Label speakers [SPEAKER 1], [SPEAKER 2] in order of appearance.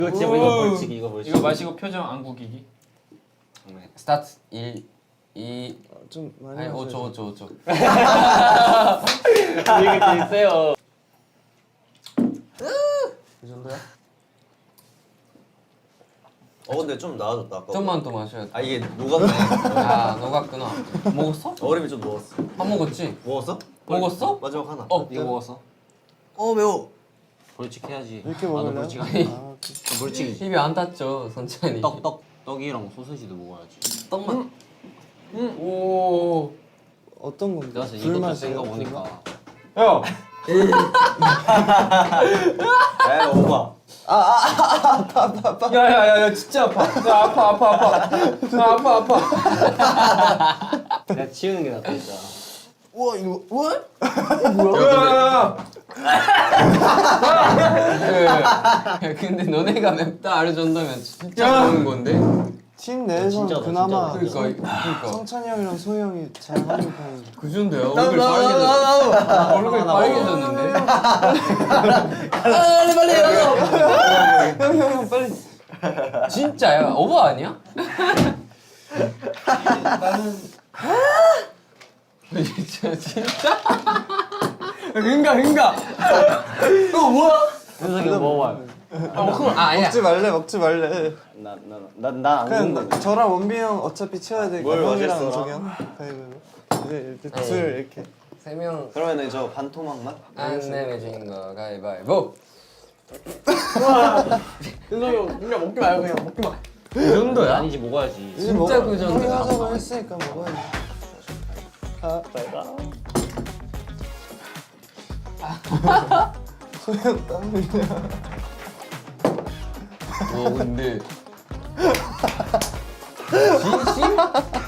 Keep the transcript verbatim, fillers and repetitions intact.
[SPEAKER 1] 이거 진짜 이거 벌칙 이거 벌칙.
[SPEAKER 2] 이거 마시고 표정 안 구기기.
[SPEAKER 3] 네. 스타트 일, 이
[SPEAKER 4] 좀 많이
[SPEAKER 3] 아니
[SPEAKER 4] 마셔야
[SPEAKER 3] 오 초 오 초 오 초.
[SPEAKER 1] 이게 되게 세요.
[SPEAKER 4] 이 정도야?
[SPEAKER 5] 어 근데 좀 나아졌다 아까.
[SPEAKER 3] 좀만 더 마셔야 돼.
[SPEAKER 5] 아 이게 녹았네.
[SPEAKER 3] 아 녹았구나. 먹었어?
[SPEAKER 5] 얼음이 좀 녹았어.
[SPEAKER 3] 밥 먹었지?
[SPEAKER 5] 먹었어?
[SPEAKER 3] 먹었어?
[SPEAKER 5] 마지막 하나.
[SPEAKER 3] 어
[SPEAKER 1] 이거 먹었어?
[SPEAKER 5] 어 매워.
[SPEAKER 1] 벌칙 해야지.
[SPEAKER 4] 이렇게
[SPEAKER 1] 나도
[SPEAKER 4] 먹을래요?
[SPEAKER 1] 벌칙
[SPEAKER 4] 아,
[SPEAKER 1] 하지.
[SPEAKER 4] 오케이.
[SPEAKER 1] 벌칙이지.
[SPEAKER 3] 입이 안 닿죠 선천히.
[SPEAKER 1] 떡 떡. 떡이랑 소세지도 먹어야지.
[SPEAKER 3] 떡만. 음. 오.
[SPEAKER 4] 어떤 건데?
[SPEAKER 1] 그래서 이것도
[SPEAKER 4] 불맛이에요?
[SPEAKER 1] 센거 보니까.
[SPEAKER 2] 야.
[SPEAKER 5] 야 오빠.
[SPEAKER 2] 야야야야 진짜 아파. 야 아파 아파 아파. 야 아파 아파.
[SPEAKER 1] 내가 치우는 게 낫다 진짜.
[SPEAKER 4] 우와 이거 우와?
[SPEAKER 2] 야야야.
[SPEAKER 3] 야 근데 너네가 맵다 알려준다면 진짜 먹는 건데?
[SPEAKER 4] 팀 내에서는
[SPEAKER 1] 진짜다,
[SPEAKER 4] 그나마
[SPEAKER 1] 진짜다.
[SPEAKER 3] 그러니까 그러니까
[SPEAKER 4] 성찬이 형이랑 소희 형이 잘하는 편인데.
[SPEAKER 3] 그 정도야. 얼굴 빨개졌. 얼굴 빨개졌는데.
[SPEAKER 5] 빨리 빨리 해.
[SPEAKER 4] 형형형 빨리.
[SPEAKER 3] 진짜야? 오버 아니야?
[SPEAKER 4] 나는
[SPEAKER 3] 진짜 진짜? 흥가 흥가. 어 뭐야?
[SPEAKER 1] 현석이 먹어봐.
[SPEAKER 3] 아 먹으면 아 아니야.
[SPEAKER 4] 먹지 말래 먹지 말래.
[SPEAKER 1] 나나나나안
[SPEAKER 4] 그냥
[SPEAKER 1] 먹는다.
[SPEAKER 4] 저랑 원빈 형 어차피 치워야 되니까
[SPEAKER 5] 뭘
[SPEAKER 4] 형이랑
[SPEAKER 5] 마셨어?
[SPEAKER 4] 저기 형 가위바위보. 이제 이렇게
[SPEAKER 3] 에이.
[SPEAKER 4] 둘 이렇게.
[SPEAKER 3] 세 명
[SPEAKER 5] 그러면은 저 반토막만?
[SPEAKER 3] 안 내면 거 가위바위보.
[SPEAKER 2] 현석이 형 그냥 먹지 말고 그냥 먹지 마.
[SPEAKER 3] 그 정도야?
[SPEAKER 1] 아니지 먹어야지.
[SPEAKER 4] 이제
[SPEAKER 3] 진짜
[SPEAKER 4] 먹어.
[SPEAKER 3] 그 정도야.
[SPEAKER 4] 형이 하자고 했으니까 먹어야지. 아 소희 형 땀 흘려.
[SPEAKER 3] 와 근데 진심?